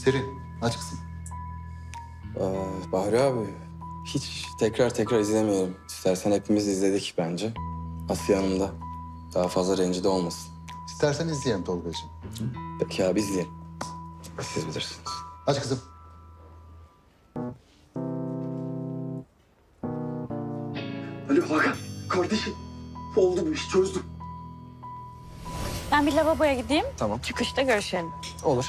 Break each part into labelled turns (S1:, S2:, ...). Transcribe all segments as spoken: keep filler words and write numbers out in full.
S1: Serin, aç kızım.
S2: Ee, Bahri abi, hiç tekrar tekrar izlemeyelim. İstersen hepimiz izledik bence. Asiye Hanım da daha fazla rencide olmasın.
S1: İstersen izleyelim Tolga'cığım.
S2: Peki abi izleyelim. Siz bilirsiniz.
S1: Aç kızım.
S3: Alo Hakan, kardeşim. Oldu bu iş, çözdüm.
S4: Ben bir lavaboya gideyim.
S2: Tamam.
S4: Çıkışta görüşelim.
S2: Olur.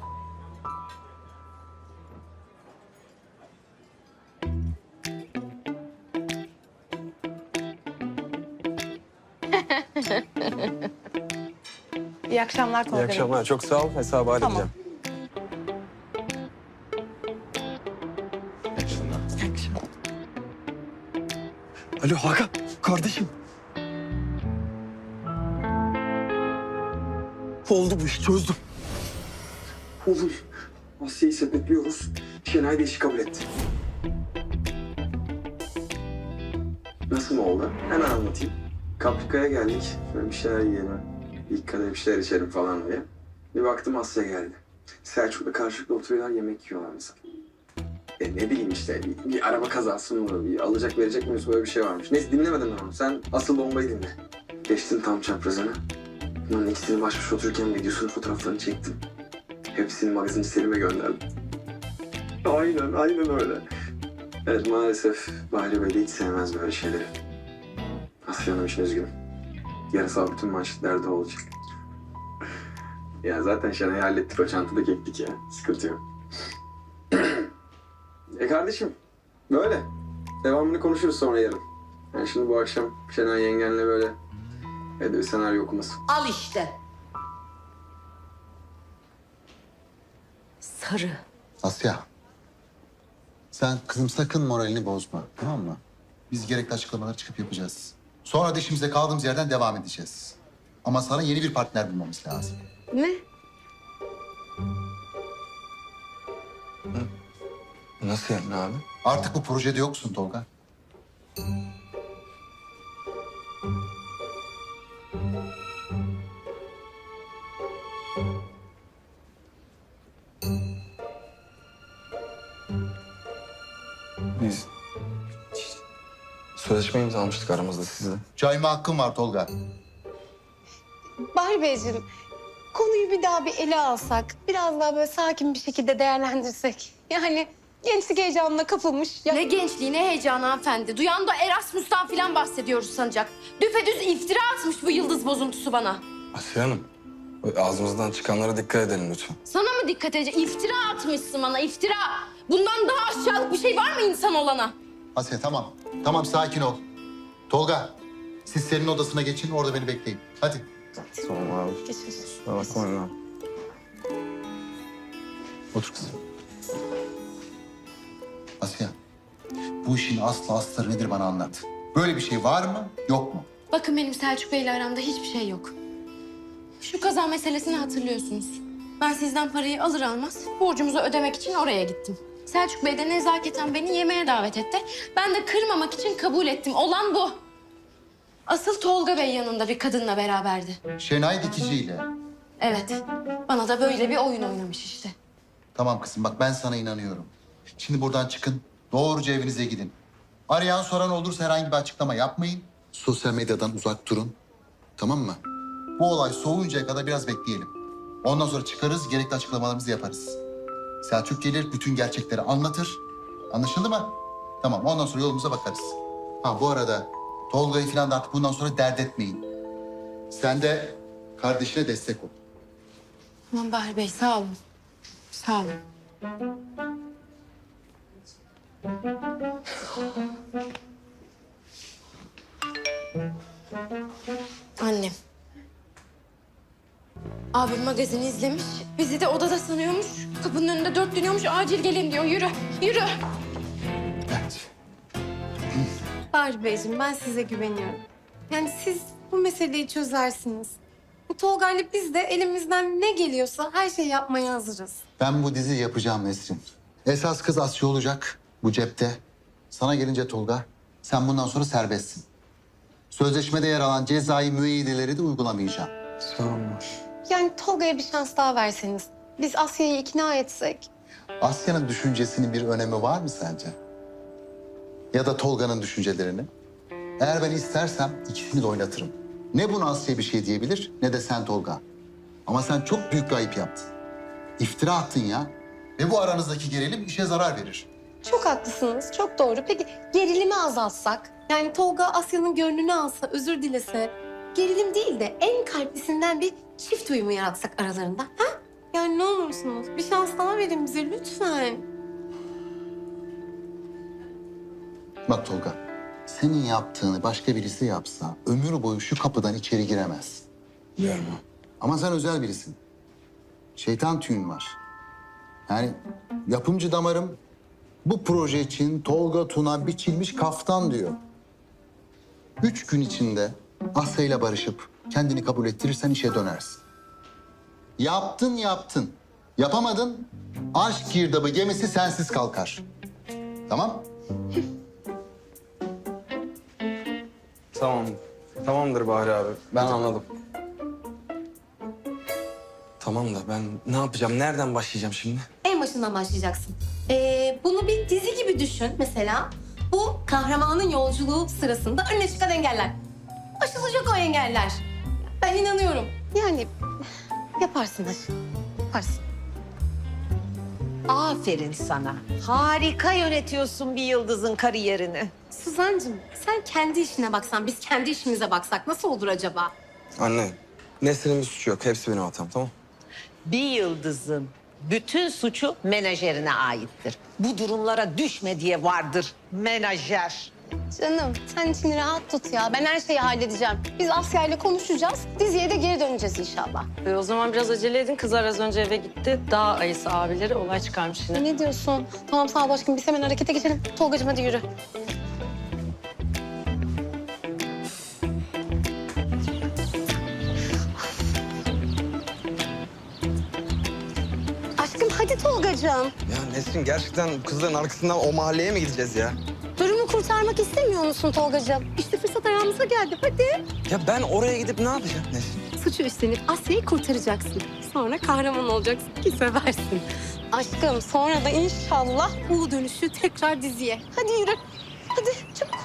S4: İyi akşamlar Tolga
S2: İyi
S4: Bey.
S2: akşamlar. Çok sağ ol. Hesabı halledeceğim. İyi akşamlar.
S4: İyi akşamlar.
S3: Alo Hakan, kardeşim. Oldu bu iş, çözdüm. Olur. Asya'yı sepetliyoruz. Şenay da işi kabul etti. Nasıl mı oldu? Hemen anlatayım. Kaprika'ya geldik. Böyle bir şeyler yiyelim. İlk kadeh bir şeyler içelim falan diye. Bir baktım Asya geldi. Selçuk'la karşılıklı oturuyorlar, yemek yiyorlar mesela. E ne bileyim işte bir, bir araba kazası mı, bir alacak verecek mi böyle bir şey varmış. Neyse dinlemedim ben onu. Sen asıl bombayı dinle. Geçtim tam çaprazına. Bunların ikisini baş başa otururken videosunu, fotoğraflarını çektim. Hepsini magazinci Selim'e gönderdim. Aynen, aynen öyle. Evet maalesef Bahri Bey de hiç sevmez böyle şeyleri. Asya Hanım için üzgünüm. Yarısal bütün manşetlerde olacak. Ya zaten Şenay'ı hallettik, o çantada ektik ya. Sıkıntı yok. E kardeşim, böyle. Devamını konuşuruz sonra yarın. Yani şimdi bu akşam Şenay yengenle böyle evde bir senaryo okuması.
S5: Al işte. Sarı.
S1: Asya. Sen kızım sakın moralini bozma, tamam mı? Biz gerekli açıklamaları çıkıp yapacağız. Sonra da işimize kaldığımız yerden devam edeceğiz. Ama sana yeni bir partner bulmamız lazım.
S5: Ne?
S2: Nasıl yani abi?
S1: Artık bu projede yoksun Tolga.
S2: Biz sözleşme imzalamıştık aramızda sizle.
S1: Cayma hakkın var Tolga.
S6: Bahri Beyciğim, konuyu bir daha bir ele alsak, biraz daha böyle sakin bir şekilde değerlendirsek. Yani gençlik heyecanına kapılmış. Ya...
S7: Ne gençliği, ne heyecanı hanımefendi. Duyan da Erasmus'tan falan bahsediyoruz sanacak. Düpedüz iftira atmış bu yıldız bozuntusu bana.
S2: Asiye Hanım, ağzımızdan çıkanlara dikkat edelim lütfen.
S7: Sana mı dikkat edecek? İftira atmışsın bana, iftira. Bundan daha aşağılık bir şey var mı insan olana?
S1: Asya tamam. Tamam sakin ol. Tolga, siz senin odasına geçin, orada beni bekleyin. Hadi.
S2: Tamam abi.
S6: Geçmiş.
S2: Kusura bakmayın abi. Otur kızım.
S1: Asya, bu işin aslı astarı nedir bana anlat. Böyle bir şey var mı, yok mu?
S7: Bakın benim Selçuk Bey'le aramda hiçbir şey yok. Şu kaza meselesini hatırlıyorsunuz. Ben sizden parayı alır almaz borcumuzu ödemek için oraya gittim. Selçuk Bey de nezaketen beni yemeğe davet etti. Ben de kırmamak için kabul ettim. Olan bu. Asıl Tolga Bey yanında bir kadınla beraberdi.
S1: Şenay dikiciyle.
S7: Evet, bana da böyle bir oyun oynamış işte.
S1: Tamam kızım bak ben sana inanıyorum. Şimdi buradan çıkın, doğruca evinize gidin. Arayan soran olursa herhangi bir açıklama yapmayın. Sosyal medyadan uzak durun. Tamam mı? Bu olay soğuyuncaya kadar biraz bekleyelim. Ondan sonra çıkarız, gerekli açıklamalarımızı yaparız. Selçuk gelir, bütün gerçekleri anlatır. Anlaşıldı mı? Tamam, ondan sonra yolumuza bakarız. Ha bu arada Tolga'yı falan da artık bundan sonra dert etmeyin. Sen de kardeşine destek ol.
S7: Aman Bahri Bey sağ olun. Sağ olun. Annem. Abim magazini izlemiş. Bizi de odada sanıyormuş. Kapının önünde dört dönüyormuş. Acil gelin diyor. Yürü, yürü.
S1: Evet.
S6: Bahri Beyciğim, ben size güveniyorum. Yani siz bu meseleyi çözersiniz. Bu Tolga'yla biz de elimizden ne geliyorsa her şeyi yapmaya hazırız.
S1: Ben bu diziyi yapacağım Nesrin. Esas kız Asya olacak bu cepte. Sana gelince Tolga, sen bundan sonra serbestsin. Sözleşmede yer alan cezai müeyyideleri de uygulamayacağım.
S2: Sağ olun.
S6: Yani Tolga'ya bir şans daha verseniz. biz Asya'yı ikna etsek.
S1: Asya'nın düşüncesinin bir önemi var mı sence? Ya da Tolga'nın düşüncelerini? Eğer ben istersem ikisini de oynatırım. Ne buna Asya bir şey diyebilir ne de sen Tolga. Ama sen çok büyük bir ayıp yaptın. İftira attın ya. Ve bu aranızdaki gerilim işe zarar verir.
S6: Çok haklısınız, çok doğru. Peki gerilimi azaltsak? Yani Tolga Asya'nın gönlünü alsa, özür dilese. Gerilim değil de en kalplisinden bir çift uyumu yaratsak aralarında. Ha? Yani ne olursunuz bir şans daha verin bize lütfen.
S1: Bak Tolga, senin yaptığını başka birisi yapsa ömür boyu şu kapıdan içeri giremez.
S2: Biliyorum.
S1: Ama sen özel birisin. Şeytan tüyün var. Yani yapımcı damarım bu proje için Tolga Tuna biçilmiş kaftan diyor. Üç gün içinde Asya'yla barışıp kendini kabul ettirirsen işe dönersin. Yaptın yaptın. Yapamadın, aşk girdabı gemisi sensiz kalkar. Tamam?
S2: Tamam. Tamamdır Bahri abi. Ben anladım. Tamam da ben ne yapacağım? Nereden başlayacağım şimdi?
S6: En başından başlayacaksın. Ee, bunu bir dizi gibi düşün mesela. Bu kahramanın yolculuğu sırasında önüne çıkan engeller. Aşılacak o engeller. Ben inanıyorum. Yani yaparsın aşkım. Yaparsın.
S5: Aferin sana. Harika yönetiyorsun bir yıldızın kariyerini.
S6: Suzancığım sen kendi işine baksan, biz kendi işimize baksak nasıl olur acaba?
S2: Anne, Nesrin'in bir suçu yok. Hepsi benim hatam, tamam?
S5: Bir yıldızın bütün suçu menajerine aittir. Bu durumlara düşme diye vardır menajer.
S6: Canım sen içini rahat tut ya. Ben her şeyi halledeceğim. Biz Asya ile konuşacağız. Diziye de geri döneceğiz inşallah.
S4: E, o zaman biraz acele edin. Kızlar az önce eve gitti. Dağ ayısı abileri olay çıkarmış yine.
S6: Ne diyorsun? Tamam sağ ol aşkım. Biz hemen harekete geçelim. Tolgacığım hadi yürü. Aşkım hadi Tolgacığım.
S2: Ya Nesrin gerçekten bu kızların arkasından o mahalleye mi gideceğiz ya?
S6: Durumu kurtarmak istemiyor musun Tolgacığım? İşte fırsat ayağımıza geldi. Hadi.
S2: Ya ben oraya gidip ne yapacağım Nesrin?
S6: Suçu üstlenip Asya'yı kurtaracaksın. Sonra kahraman olacaksın ki seversin. Aşkım sonra da inşallah bu dönüşü tekrar diziye. Hadi yürü. Hadi çabuk.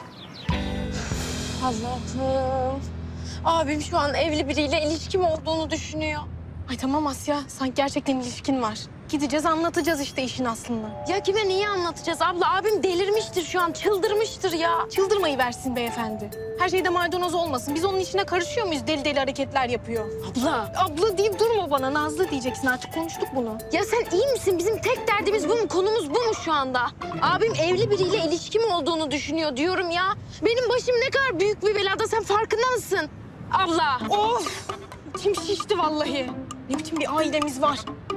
S7: Allah'ım. Abim şu an evli biriyle ilişkim olduğunu düşünüyor.
S8: Ay tamam Asya, sanki gerçekten ilişkin var. Gideceğiz anlatacağız işte işin aslını.
S7: Ya kime niye anlatacağız abla? Abim delirmiştir şu an, çıldırmıştır ya.
S8: Çıldırmayı versin beyefendi. Her şeyde maydanoz olmasın. Biz onun işine karışıyor muyuz? Deli deli hareketler yapıyor.
S7: Abla.
S8: Abla deyip durma bana. Nazlı diyeceksin artık konuştuk bunu.
S7: Ya sen iyi misin? Bizim tek derdimiz bu mu? Konumuz bu mu şu anda? Abim evli biriyle ilişkim olduğunu düşünüyor diyorum ya. Benim başım ne kadar büyük bir belada, sen farkında mısın? Abla.
S8: Of! Kim şişti vallahi. Ne biçim bir ailemiz var.